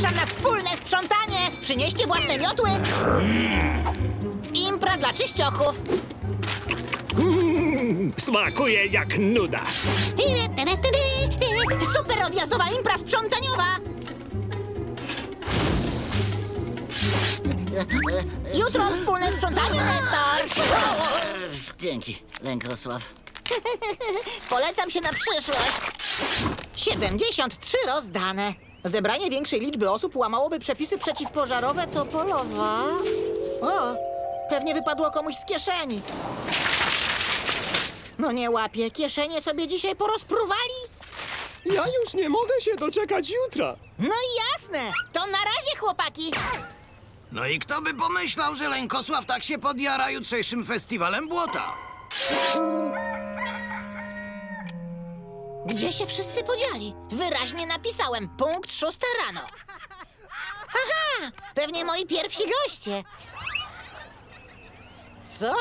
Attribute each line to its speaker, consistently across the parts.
Speaker 1: Zapraszam na wspólne sprzątanie! Przynieście własne miotły! Impra dla czyściochów!
Speaker 2: Smakuje jak nuda.
Speaker 1: Super odjazdowa impra sprzątaniowa! Jutro wspólne sprzątanie, Nestor!
Speaker 3: Dzięki, Lękosław.
Speaker 1: Polecam się na przyszłość. 73 rozdane. Zebranie większej liczby osób łamałoby przepisy przeciwpożarowe Topolowa. O, pewnie wypadło komuś z kieszeni. No nie łapię, kieszenie sobie dzisiaj porozpruwali?
Speaker 2: Ja już nie mogę się doczekać jutra.
Speaker 1: No i jasne, to na razie, chłopaki.
Speaker 4: No i kto by pomyślał, że Lękosław tak się podjara jutrzejszym festiwalem błota?
Speaker 1: Gdzie się wszyscy podzieli? Wyraźnie napisałem, punkt 6 rano. Aha, pewnie moi pierwsi goście. Co?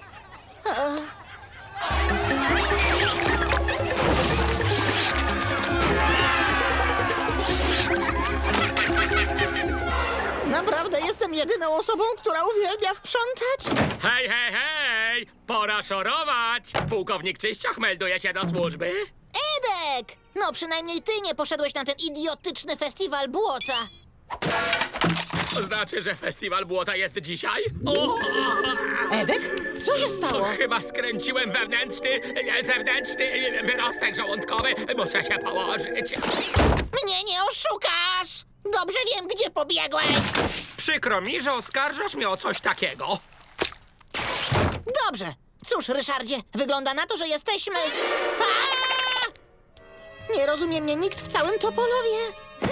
Speaker 1: Naprawdę jestem jedyną osobą, która uwielbia sprzątać?
Speaker 5: Hej, hej, hej! Pora szorować! Pułkownik Czyścioch melduje się do służby.
Speaker 1: Edek! No przynajmniej ty nie poszedłeś na ten idiotyczny festiwal błota.
Speaker 5: To znaczy, że festiwal błota jest dzisiaj? O!
Speaker 1: Edek? Co się stało?
Speaker 5: Chyba skręciłem zewnętrzny wyrostek żołądkowy. Muszę się położyć.
Speaker 1: Mnie nie oszukasz! Dobrze wiem, gdzie pobiegłeś!
Speaker 5: Przykro mi, że oskarżasz mnie o coś takiego.
Speaker 1: Dobrze. Cóż, Ryszardzie, wygląda na to, że jesteśmy... Aaa! Nie rozumie mnie nikt w całym Topolowie.